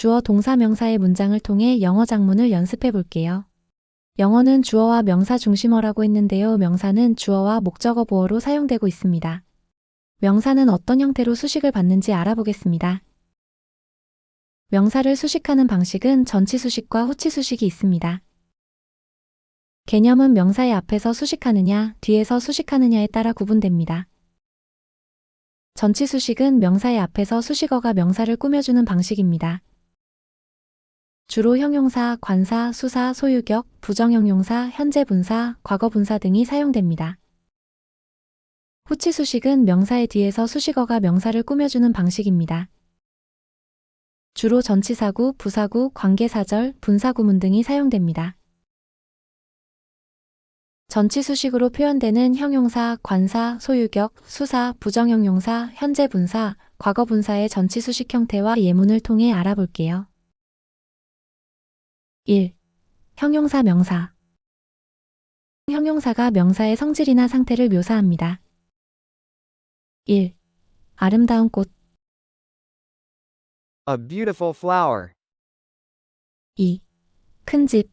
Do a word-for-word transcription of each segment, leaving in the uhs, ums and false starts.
주어 동사 명사의 문장을 통해 영어 작문을 연습해 볼게요. 영어는 주어와 명사 중심어라고 했는데요. 명사는 주어와 목적어 보어로 사용되고 있습니다. 명사는 어떤 형태로 수식을 받는지 알아보겠습니다. 명사를 수식하는 방식은 전치수식과 후치수식이 있습니다. 개념은 명사의 앞에서 수식하느냐, 뒤에서 수식하느냐에 따라 구분됩니다. 전치수식은 명사의 앞에서 수식어가 명사를 꾸며주는 방식입니다. 주로 형용사, 관사, 수사, 소유격, 부정형용사, 현재분사, 과거분사 등이 사용됩니다. 후치수식은 명사의 뒤에서 수식어가 명사를 꾸며주는 방식입니다. 주로 전치사구, 부사구, 관계사절, 분사구문 등이 사용됩니다. 전치수식으로 표현되는 형용사, 관사, 소유격, 수사, 부정형용사, 현재분사, 과거분사의 전치수식 형태와 예문을 통해 알아볼게요. 일. 형용사 명사. 형용사가 명사의 성질이나 상태를 묘사합니다. 일. 아름다운 꽃. A beautiful flower. 이. 큰 집.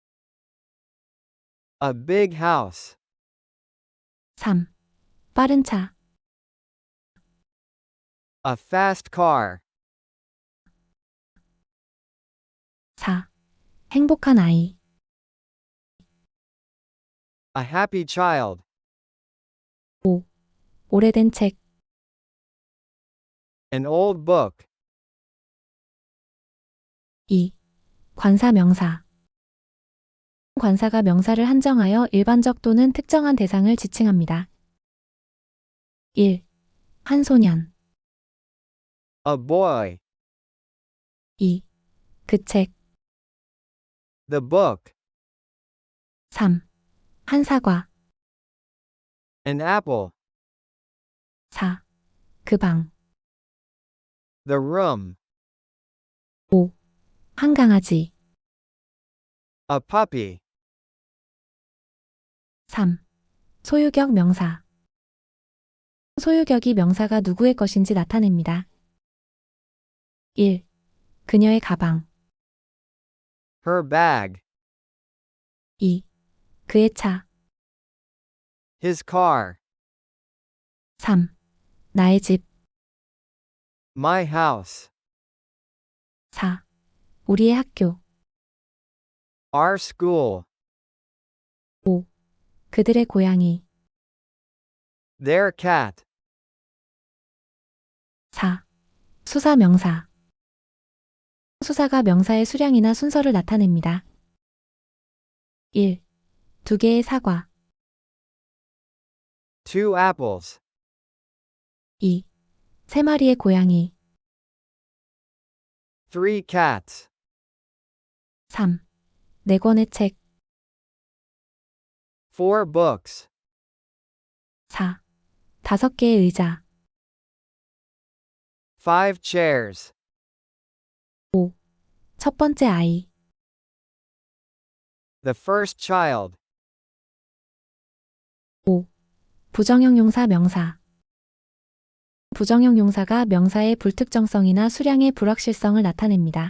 A big house. 삼. 빠른 차. A fast car. 사. 행복한 아이. A happy child. 오. 오래된 책. An old book. 이. 관사 명사. 관사가 명사를 한정하여 일반적 또는 특정한 대상을 지칭합니다. 일. 한 소년. A boy. 이. 그 책. The book. 삼. 한 사과. An apple. 사. 그 방. The room. 오. 한 강아지. A puppy. 삼. 소유격 명사. 소유격이 명사가 누구의 것인지 나타냅니다. 일. 그녀의 가방. Her bag. 이. 그의 차. His car. 삼. 나의 집. My house. 사. 우리의 학교. Our school. 오. 그들의 고양이. Their cat. 사. 수사 명사. 수사가 명사의 수량이나 순서를 나타냅니다. 일. 두 개의 사과. Two apples. 이. 세 마리의 고양이. Three cats. 삼. 네 권의 책. Four books. 사. 다섯 개의 의자. Five chairs. 오. 첫 번째 아이. The first child. 오. 부정형용사 명사. 부정형용사가 명사의 불특정성이나 수량의 불확실성을 나타냅니다.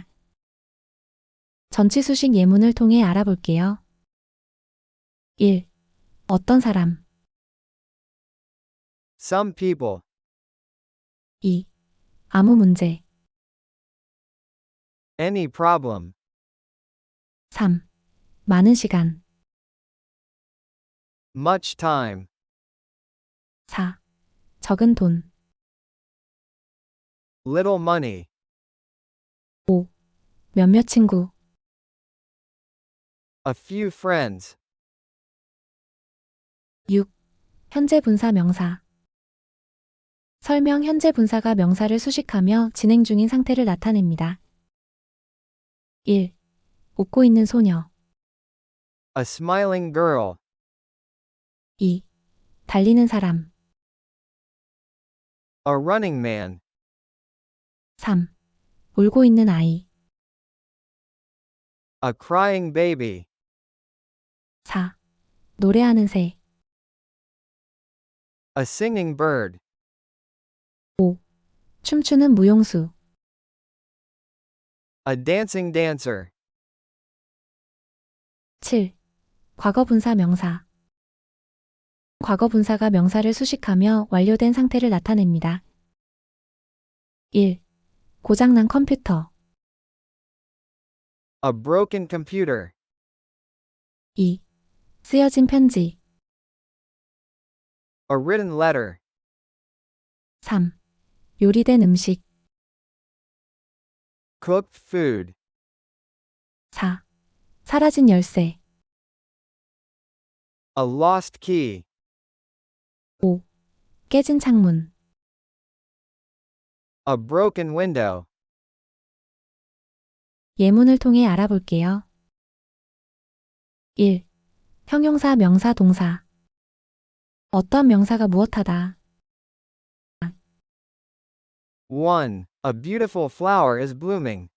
전치수식 예문을 통해 알아볼게요. 일. 어떤 사람. Some people. 이. 아무 문제. Any problem. 삼. 많은 시간. Much time. 사. 적은 돈. Little money. 오. 몇몇 친구. A few friends. 육. 현재 분사 명사. 설명 현재 분사가 명사를 수식하며 진행 중인 상태를 나타냅니다. 일. 웃고 있는 소녀. A smiling girl. 이. 달리는 사람. A running man. 삼. 울고 있는 아이. A crying baby. 사. 노래하는 새. A singing bird. 오. 춤추는 무용수. A dancing dancer. 칠. 과거 분사 명사. 과거 분사가 명사를 수식하며 완료된 상태를 나타냅니다. 일. 고장난 컴퓨터. A broken computer. 이. 쓰여진 편지. A written letter. 삼. 요리된 음식. Cooked food. 사. 사라진 열쇠. A lost key. 오. 깨진 창문. A broken window. 예문을 통해 알아볼게요. 일. 형용사 명사 동사. 어떤 명사가 무엇하다. one. A beautiful flower is blooming.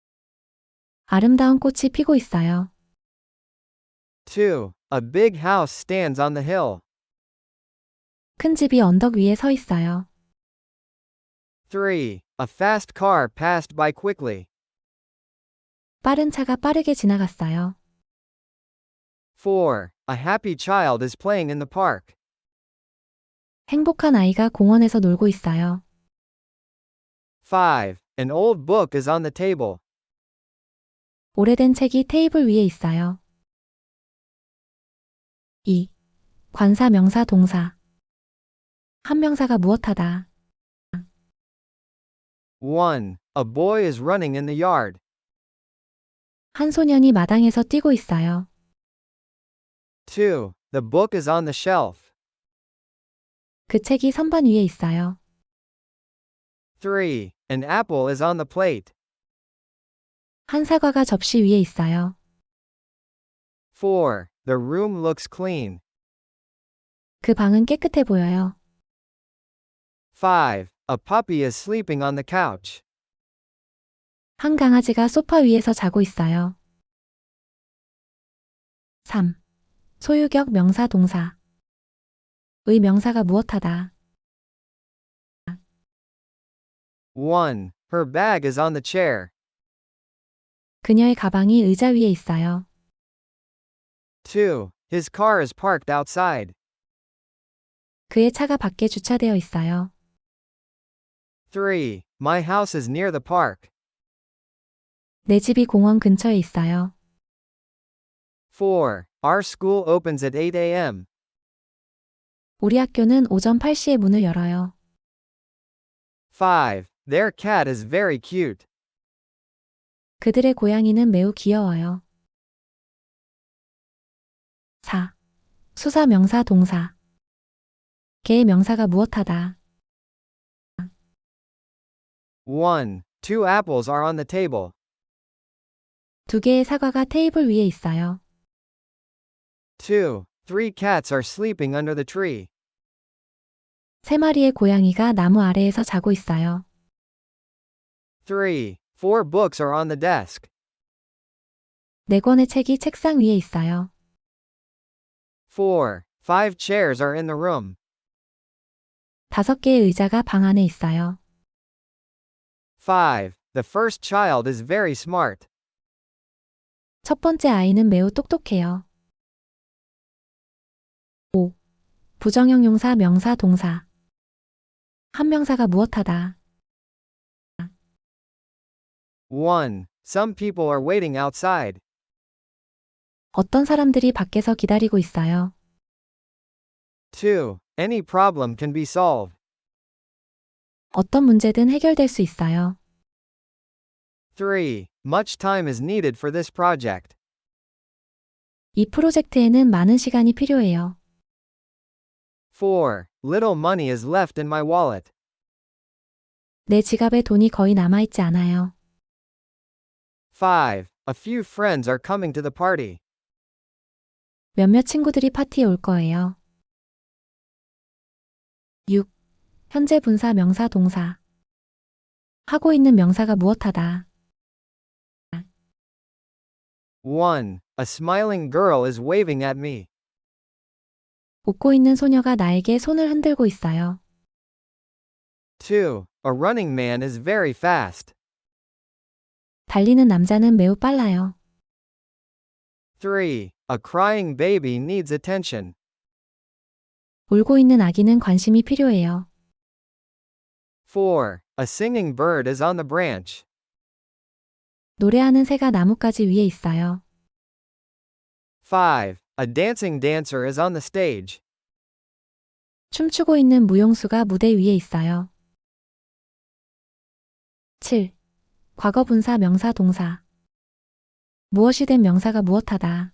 아름다운 꽃이 피고 있어요. two. A big house stands on the hill. 큰 집이 언덕 위에 서 있어요. three. A fast car passed by quickly. 빠른 차가 빠르게 지나갔어요. four. A happy child is playing in the park. 행복한 아이가 공원에서 놀고 있어요. five. An old book is on the table. 오래된 책이 테이블 위에 있어요. 이. 관사 명사 동사. 한 명사가 무엇하다. one. A boy is running in the yard. 한 소년이 마당에서 뛰고 있어요. two. The book is on the shelf. 그 책이 선반 위에 있어요. three. An apple is on the plate. 한 사과가 접시 위에 있어요. four. The room looks clean. 그 방은 깨끗해 보여요. five. A puppy is sleeping on the couch. 한 강아지가 소파 위에서 자고 있어요. 삼. 소유격 명사 동사. 의 명사가 무엇하다. one. Her bag is on the chair. 그녀의 가방이 의자 위에 있어요. two. His car is parked outside. 그의 차가 밖에 주차되어 있어요. three. My house is near the park. 내 집이 공원 근처에 있어요. four. Our school opens at eight a.m. 우리 학교는 오전 팔 시에 문을 열어요. five. Their cat is very cute. 그들의 고양이는 매우 귀여워요. 사. 수사 명사 동사. 개의 명사가 무엇하다. one. Two apples are on the table. 두 개의 사과가 테이블 위에 있어요. two. Three cats are sleeping under the tree. 세 마리의 고양이가 나무 아래에서 자고 있어요. three. Four books are on the desk. 네 권의 책이 책상 위에 있어요. four. Five chairs are in the room. 다섯 개의 의자가 방 안에 있어요. five. The first child is very smart. 첫 번째 아이는 매우 똑똑해요. 오. 부정형용사 명사 동사. 한 명사가 무엇하다. one. Some people are waiting outside. 어떤 사람들이 밖에서 기다리고 있어요. two. Any problem can be solved. 어떤 문제든 해결될 수 있어요. three. Much time is needed for this project. 이 프로젝트에는 많은 시간이 필요해요. four. Little money is left in my wallet. 내 지갑에 돈이 거의 남아있지 않아요. five. A few friends are coming to the party. 몇몇 친구들이 파티에 올 거예요. 육. 현재 분사 명사 동사. 하고 있는 명사가 무엇하다. one. A smiling girl is waving at me. 웃고 있는 소녀가 나에게 손을 흔들고 있어요. two. A running man is very fast. 달리는 남자는 매우 빨라요. three. A crying baby needs attention. 울고 있는 아기는 관심이 필요해요. four. A singing bird is on the branch. 노래하는 새가 나뭇가지 위에 있어요. five. A dancing dancer is on the stage. 춤추고 있는 무용수가 무대 위에 있어요. 칠. 과거 분사 명사 동사. 무엇이 된 명사가 무엇하다.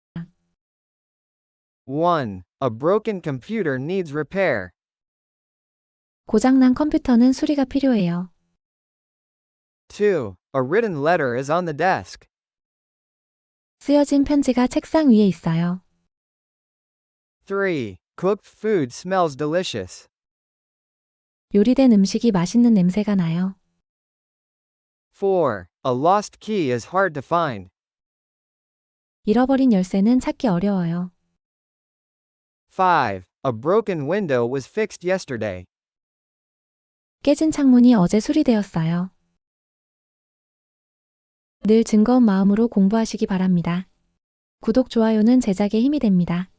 one. A broken computer needs repair. 고장난 컴퓨터는 수리가 필요해요. two. A written letter is on the desk. 쓰여진 편지가 책상 위에 있어요. three. Cooked food smells delicious. 요리된 음식이 맛있는 냄새가 나요. four. A lost key is hard to find. 잃어버린 열쇠는 찾기 어려워요. five. A broken window was fixed yesterday. 깨진 창문이 어제 수리되었어요. 늘 즐거운 마음으로 공부하시기 바랍니다. 구독, 좋아요는 제작에 힘이 됩니다.